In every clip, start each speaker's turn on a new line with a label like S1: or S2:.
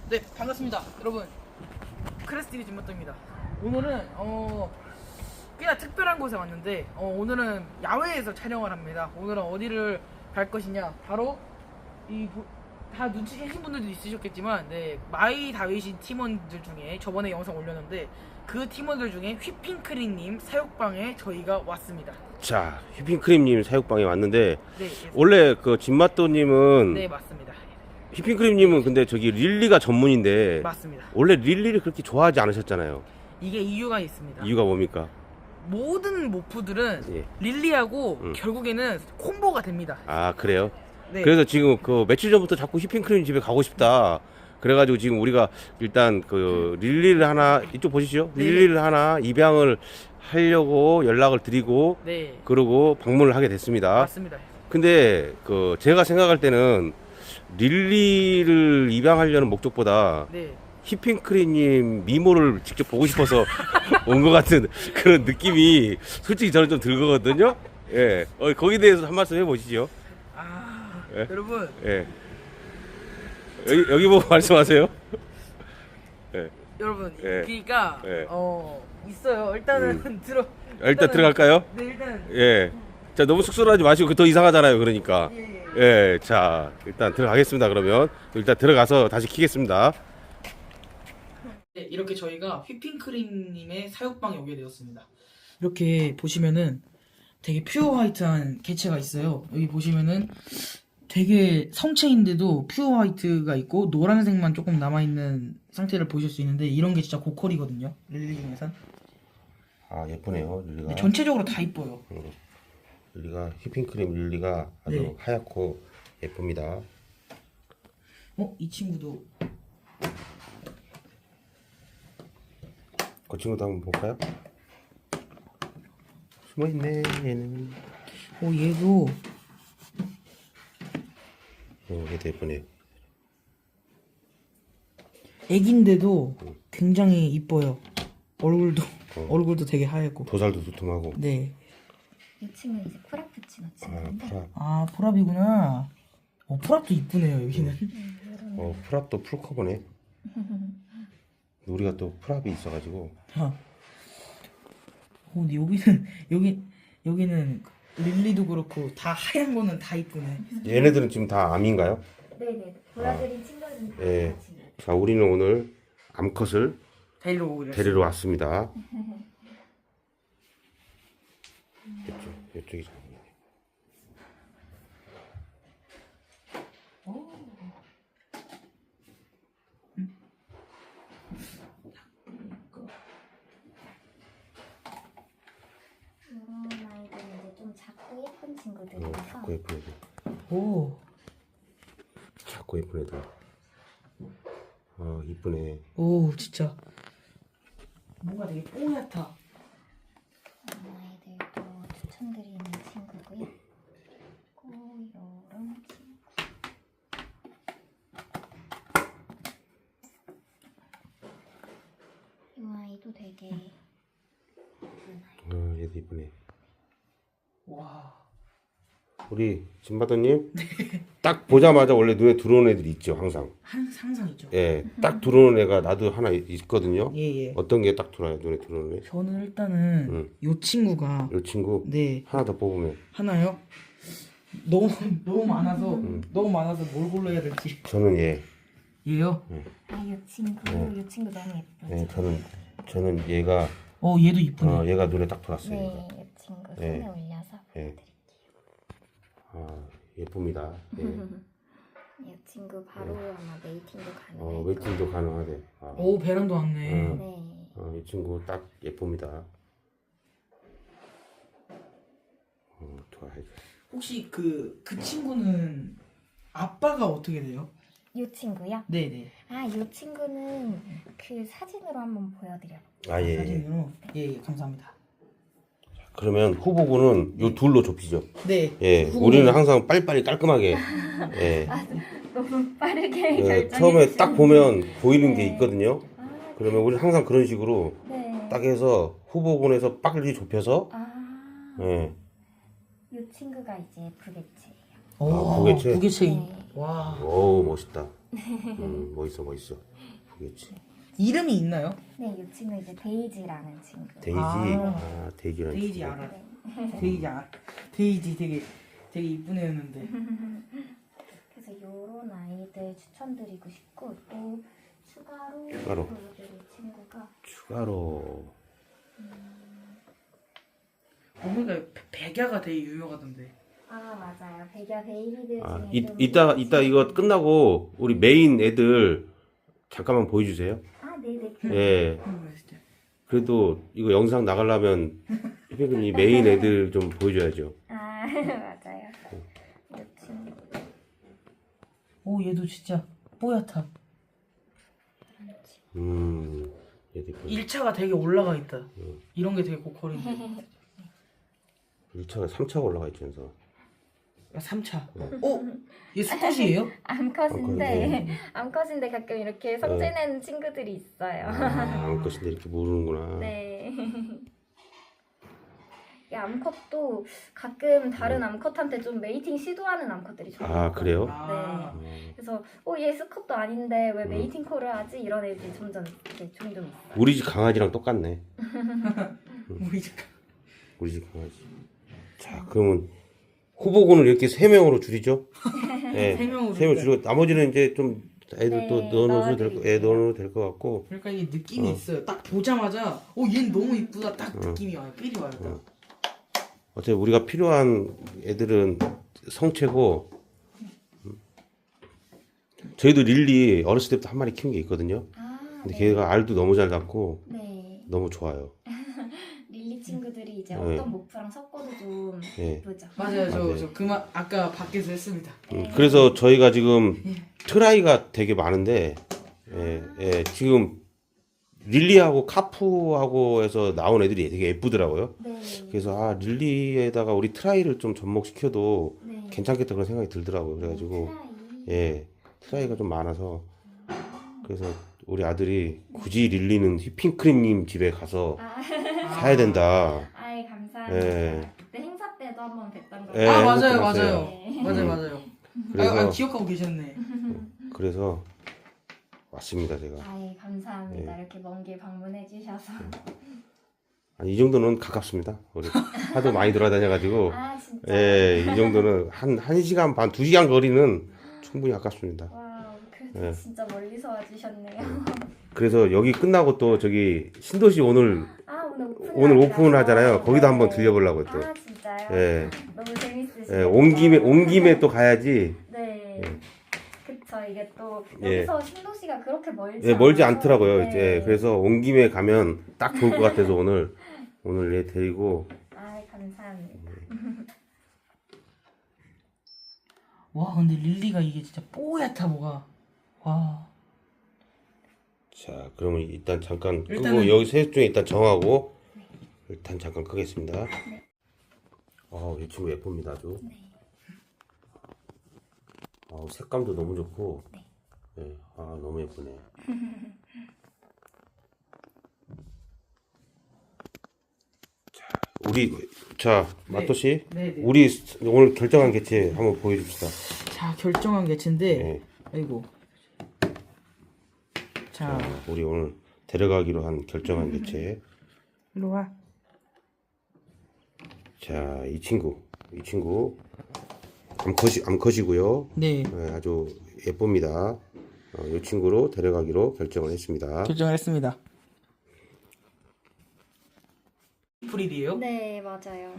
S1: 네, 반갑습니다 여러분. 크레스TV 진모토입니다. 오늘은 꽤나 특별한 곳에 왔는데 오늘은 야외에서 촬영을 합니다. 오늘은 어디를 갈 것이냐, 바로 다 눈치채신 분들도 있으셨겠지만, 네, 마이 다윗인 팀원들 중에 저번에 영상 올렸는데 그 팀원들 중에 휘핑크림님 사육방에 저희가 왔습니다.
S2: 자, 휘핑크림님 사육방에 왔는데,
S1: 네,
S2: 원래 그 진맛도님은,
S1: 네, 맞습니다.
S2: 휘핑크림님은 근데 저기 릴리가 전문인데,
S1: 맞습니다.
S2: 원래 릴리를 그렇게 좋아하지 않으셨잖아요.
S1: 이게 이유가 있습니다.
S2: 이유가 뭡니까?
S1: 모든 모프들은
S2: 예.
S1: 릴리하고 결국에는 콤보가 됩니다.
S2: 아, 그래요?
S1: 네.
S2: 그래서 지금 그 며칠 전부터 자꾸 휘핑크림 집에 가고 싶다. 그래가지고 지금 우리가 일단 그 릴리를 하나, 이쪽 보시죠.
S1: 네.
S2: 릴리를 하나 입양을 하려고 연락을 드리고,
S1: 네,
S2: 그러고 방문을 하게 됐습니다.
S1: 맞습니다.
S2: 근데 그 제가 생각할 때는 릴리를 입양하려는 목적보다
S1: 네,
S2: 휘핑크림님 미모를 직접 보고 싶어서 온 것 같은 그런 느낌이 솔직히 저는 좀 들거든요. 예, 거기에 대해서 한 말씀 해보시죠. 예?
S1: 여러분,
S2: 예, 여기 보고 말씀하세요. 예,
S1: 여러분,
S2: 예.
S1: 그러니까
S2: 예.
S1: 있어요. 일단은
S2: 일단 들어갈까요?
S1: 네, 일단
S2: 예, 자 너무 쑥스러워하지 마시고 더 이상하잖아요. 그러니까.
S1: 예.
S2: 예, 자 일단 들어가겠습니다. 그러면 일단 들어가서 다시 키겠습니다.
S1: 네, 이렇게 저희가 휘핑크림님의 사육방에 오게 되었습니다. 이렇게 보시면은 되게 퓨어 화이트한 개체가 있어요. 여기 보시면은 되게 성체인데도 퓨어 화이트가 있고 노란색만 조금 남아있는 상태를 보실 수 있는데, 이런 게 진짜 고퀄이거든요, 릴리 중에선.
S2: 아, 예쁘네요. 릴리가.
S1: 네, 전체적으로 다 이뻐요.
S2: 릴리가 휘핑크림 릴리가 아주
S1: 네.
S2: 하얗고 예쁩니다.
S1: 이 친구도
S2: 그 친구도 한번 볼까요? 숨어있네 얘는.
S1: 얘도
S2: 얘도 예쁘네요.
S1: 애기인데도 굉장히 이뻐요. 얼굴도 되게 하얗고.
S2: 도살도 두툼하고.
S1: 네.
S3: 이 친구는 이제 프라푸치노
S2: 아,
S3: 친구인데
S2: 프랍.
S1: 프랍이구나. 프랍도 이쁘네요, 여기는.
S2: 프랍도 풀커버네. 우리가 또 프랍이 있어가지고.
S1: 근데 여기는 릴리도 그렇고 다 하얀 거는 다 이쁘네.
S2: 얘네들은 지금 다 암인가요?
S3: 네네 보여드린 친구들은 다
S2: 예.
S3: 같이
S2: 자, 우리는 오늘 암컷을 데리러 왔습니다. 이쪽이 작네.
S3: 이런 아이들은 이제 좀 작고 예쁜 친구들이라서
S2: 작고 예쁜 애들.
S1: 오,
S2: 작고 예쁜 애들. 이쁘네.
S1: 오, 진짜 뭔가 되게 뽀얗다.
S3: 이런 아이들도 추천드리는 친구고요. 그리고 이런 친구 이 아이도 되게 예쁜 아이.
S2: 얘도 이쁘네.
S1: 와,
S2: 우리 진바더님 딱 보자마자 원래 눈에 들어오는 애들이 있죠, 항상.
S1: 항상 있죠.
S2: 예, 딱 들어오는 애가 나도 하나 있거든요.
S1: 예.
S2: 어떤 게 딱 들어와요, 눈에 들어오는 애?
S1: 저는 일단은 요 친구가,
S2: 이 친구
S1: 네,
S2: 하나 더 뽑으면
S1: 하나요? 너무 많아서 뭘 골라야 될지.
S2: 저는 얘.
S1: 얘요?
S3: 이 친구 이 친구 너무 예쁘죠?
S2: 예, 저는 얘가
S1: 얘도 이쁘네.
S2: 얘가 눈에 딱 들어왔어요.
S3: 네,
S2: 얘가.
S3: 이 친구 손에
S2: 네.
S3: 올려서
S2: 예.
S3: 보여드릴게요.
S2: 예쁩니다. 예.
S3: 이 친구 바로 아마 메이팅도 가능해요.
S2: 웨이팅도 가능하대.
S1: 오, 배란도 왔네.
S3: 네.
S2: 이 친구 딱 예쁩니다. 좋아해.
S1: 혹시 그 친구는 아빠가 어떻게 돼요?
S3: 이 친구요?
S1: 네네.
S3: 이 친구는 그 사진으로 한번 보여드려요.
S2: 예.
S1: 사진으로. 예, 감사합니다.
S2: 그러면 후보군은 요 둘로 좁히죠.
S1: 네.
S2: 예, 우리는 항상 빨리빨리 깔끔하게. 예.
S3: 너무 빠르게
S2: 예,
S3: 결정해
S2: 처음에
S3: 주시는
S2: 딱 보면 보이는 게
S3: 네.
S2: 있거든요. 그러면 우리는 항상 그런 식으로
S3: 네.
S2: 딱 해서 후보군에서 빨리 좁혀서. 예.
S3: 이 친구가 이제 부개체예요.
S1: 오,
S2: 부개체?
S1: 부개체.
S3: 네.
S1: 와.
S2: 오, 멋있다. 멋있어. 보겠지.
S1: 이름이 있나요?
S3: 네, 이 친구 이제 데이지라는 친구.
S2: 데이지.
S1: 아.
S2: 데이지라는
S1: 데이지
S2: 친구.
S1: 알아.
S3: 네.
S1: 데이지 되게 이쁜 애였는데.
S3: 그래서 요런 아이들 추천드리고 싶고 또 추가로
S2: 추가로.
S3: 보여드릴 친구가
S2: 추가로.
S1: 보니까 백야가 되게 유명하던데.
S3: 아 맞아요. 백야 베이비들
S2: 아,
S3: 중에 좀
S2: 이따 이거 끝나고 우리 메인 애들 잠깐만 보여주세요.
S3: 아 네네.
S2: 예.
S1: 진짜.
S2: 그래도 이거 영상 나가려면 희빈이 메인 애들 좀 보여줘야죠.
S3: 아 맞아요. 이 친구.
S1: 오 얘도 진짜 뽀얗다.
S2: 얘들
S1: 1차가 되게 올라가 있다. 이런 게 되게 고퀄인데.
S2: 1차가 3차가 올라가 있면서
S1: 3차. 오? 얘 수컷이에요?
S3: 암컷인데 암컷인데 가끔 이렇게 성질내는 친구들이 있어요.
S2: 안 것인데 이렇게 모르는구나.
S3: 네. 이 암컷도 가끔 다른 암컷한테 좀 메이팅 시도하는 암컷들이 좀
S2: 아,
S3: 있어요.
S2: 그래요?
S1: 아.
S3: 그래서 얘 수컷도 아닌데 왜 메이팅 콜을 하지? 이런 애들이 종종 있어요.
S2: 우리 집 강아지랑 똑같네.
S1: 우리 집.
S2: 우리 집 강아지. 자, 그러면 후보군을 이렇게 3명으로 줄이죠? 네,
S1: 세 명으로
S2: 3명 줄이고 나머지는 이제 좀 애들
S3: 네,
S2: 또 넣어놓으셔도
S3: 넣어드릴게요.
S2: 넣어놓으면 될 것 같고.
S1: 그러니까 이게 느낌이 있어요. 딱 보자마자 얘는 너무 이쁘다. 딱 느낌이 와요. 삘이 와요. 딱.
S2: 어차피 우리가 필요한 애들은 성체고. 저희도 릴리 어렸을 때부터 한 마리 키운 게 있거든요.
S3: 아,
S2: 근데
S3: 네.
S2: 걔가 알도 너무 잘 낳고
S3: 네.
S2: 너무 좋아요.
S3: 릴리 친구들이 이제
S2: 네.
S3: 어떤 모프랑 섞어도 좀
S2: 예.
S3: 예쁘죠.
S1: 맞아요.
S2: 맞아요.
S1: 저 그만 아까 밖에서 했습니다.
S2: 그래서 저희가 지금 트라이가 되게 많은데, 지금 릴리하고 카푸하고 해서 나온 애들이 되게 예쁘더라고요.
S3: 네.
S2: 그래서 릴리에다가 우리 트라이를 좀 접목시켜도
S3: 네.
S2: 괜찮겠다 그런 생각이 들더라고요. 그래가지고
S3: 트라이.
S2: 트라이가 좀 많아서 그래서 우리 아들이 굳이 릴리는 휘핑크림님 집에 가서 사야 된다.
S3: 아이 감사합니다.
S2: 예.
S3: 그때 행사 때도 한번 뵀던 거.
S2: 예,
S1: 맞아요.
S2: 맞아요.
S3: 네.
S1: 맞아요.
S2: 그래서
S1: 기억하고 계셨네.
S2: 그래서 왔습니다 제가.
S3: 아이 감사합니다.
S2: 네.
S3: 이렇게 먼 길 방문해 주셔서.
S2: 아니, 이 정도는 가깝습니다. 우리 하도 많이 돌아다녀가지고
S3: 아 진짜.
S2: 이 정도는 한 시간 반, 2시간 거리는 충분히 가깝습니다.
S3: 와, 그래도
S2: 예.
S3: 진짜 멀리서 와주셨네요.
S2: 그래서 여기 끝나고 또 저기 신도시 오늘
S3: 아
S2: 오늘 오픈하잖아요. 거기도 한번 들려보려고 또.
S3: 아 진짜요?
S2: 예.
S3: 너무 재밌으시네요.
S2: 예, 온 김에 또 가야지.
S3: 네. 그쵸. 이게 또
S2: 예.
S3: 여기서 신도시가 그렇게 멀지
S2: 예, 멀지
S3: 않아서.
S2: 않더라고요.
S3: 네.
S2: 이제 그래서 온 김에 가면 딱 좋을 것 같아서 오늘 얘 데리고.
S3: 아 감사합니다.
S1: 와 근데 릴리가 이게 진짜 뽀얗다 뭐가. 와.
S2: 자, 그러면 일단 잠깐 끄고
S1: 일단은-
S2: 여기 셋 중에 일단 정하고 일단 잠깐 끄겠습니다. 이 친구 예쁩니다 아주.
S3: 네.
S2: 색감도 너무 좋고.
S3: 네.
S2: 네, 너무 예쁘네. 마토 씨,
S1: 네.
S2: 우리 오늘 결정한 개체 한번 보여줍시다.
S1: 자 결정한 개체인데.
S2: 네.
S1: 아이고. 자
S2: 우리 오늘 데려가기로 한 결정한 개체.
S1: 일로 와.
S2: 자, 이 친구 암컷이고요.
S1: 네.
S2: 네, 아주 예쁩니다. 이 친구로 데려가기로 결정을 했습니다.
S1: 결정을 했습니다. 프릴이에요?
S3: 네 맞아요.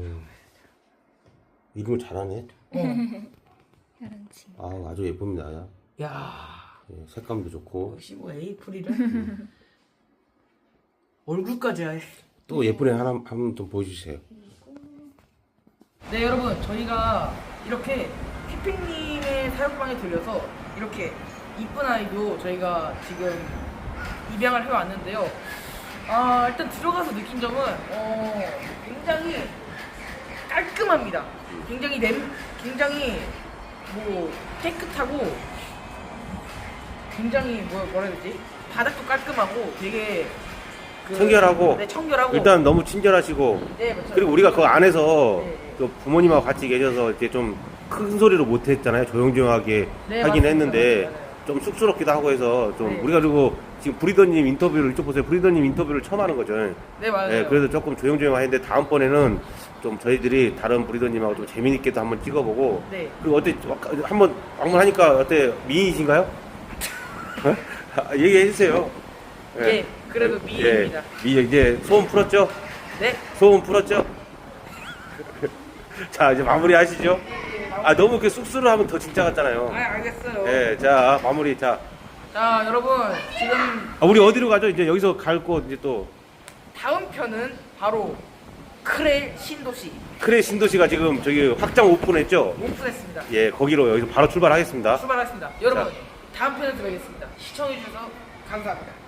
S2: 이름을 잘하네.
S3: 이런 친구.
S2: 아주 예쁩니다.
S1: 야.
S2: 색감도 좋고
S1: 역시 뭐 에이프릴은 얼굴까지 아예.
S2: 또 예쁜 애 하나 한번 좀 보여주세요.
S1: 네 여러분 저희가 이렇게 휘핑님의 사육방에 들려서 이렇게 이쁜 아이도 저희가 지금 입양을 해왔는데요. 일단 들어가서 느낀 점은 굉장히 깔끔합니다. 굉장히 뭐 깨끗하고 굉장히 뭐라 해야 되지? 바닥도 깔끔하고 되게
S2: 청결하고.
S1: 네, 청결하고
S2: 일단 너무 친절하시고
S1: 네, 맞죠.
S2: 그리고 우리가 그 안에서
S1: 네.
S2: 그 부모님하고 같이 계셔서 이제 좀 큰 소리로 못 했잖아요. 조용조용하게
S1: 네,
S2: 하긴
S1: 맞습니다.
S2: 했는데
S1: 맞아요.
S2: 좀 쑥스럽기도 하고 해서 좀
S1: 네.
S2: 우리가 그리고 지금 브리더님 인터뷰를 이쪽 보세요. 브리더님 인터뷰를 처음 하는 거죠.
S1: 네, 맞아요.
S2: 예, 그래서 조금 조용조용 하는데 다음번에는 좀 저희들이 다른 브리더님하고 좀 재미있게도 한번 찍어보고
S1: 네.
S2: 그리고 어때 한번 방문하니까 어때 미인이신가요? 얘기해 주세요.
S1: 예, 그래도 미인입니다.
S2: 이제 소원 풀었죠?
S1: 네.
S2: 소원 풀었죠? 자 이제 마무리 하시죠. 아 너무 이렇게 쑥스러워하면 더 진짜 같잖아요.
S1: 아, 알겠어요.
S2: 예, 자 마무리. 자,
S1: 자, 여러분 지금
S2: 우리 어디로 가죠? 이제 여기서 갈 곳 이제 또
S1: 다음 편은 바로 크레 신도시
S2: 크레 신도시가 지금 저기 확장 오픈했죠?
S1: 오픈했습니다.
S2: 예, 거기로 여기서 바로 출발하겠습니다.
S1: 출발하겠습니다. 여러분
S2: 자.
S1: 다음 편에서 뵙겠습니다. 시청해주셔서 감사합니다.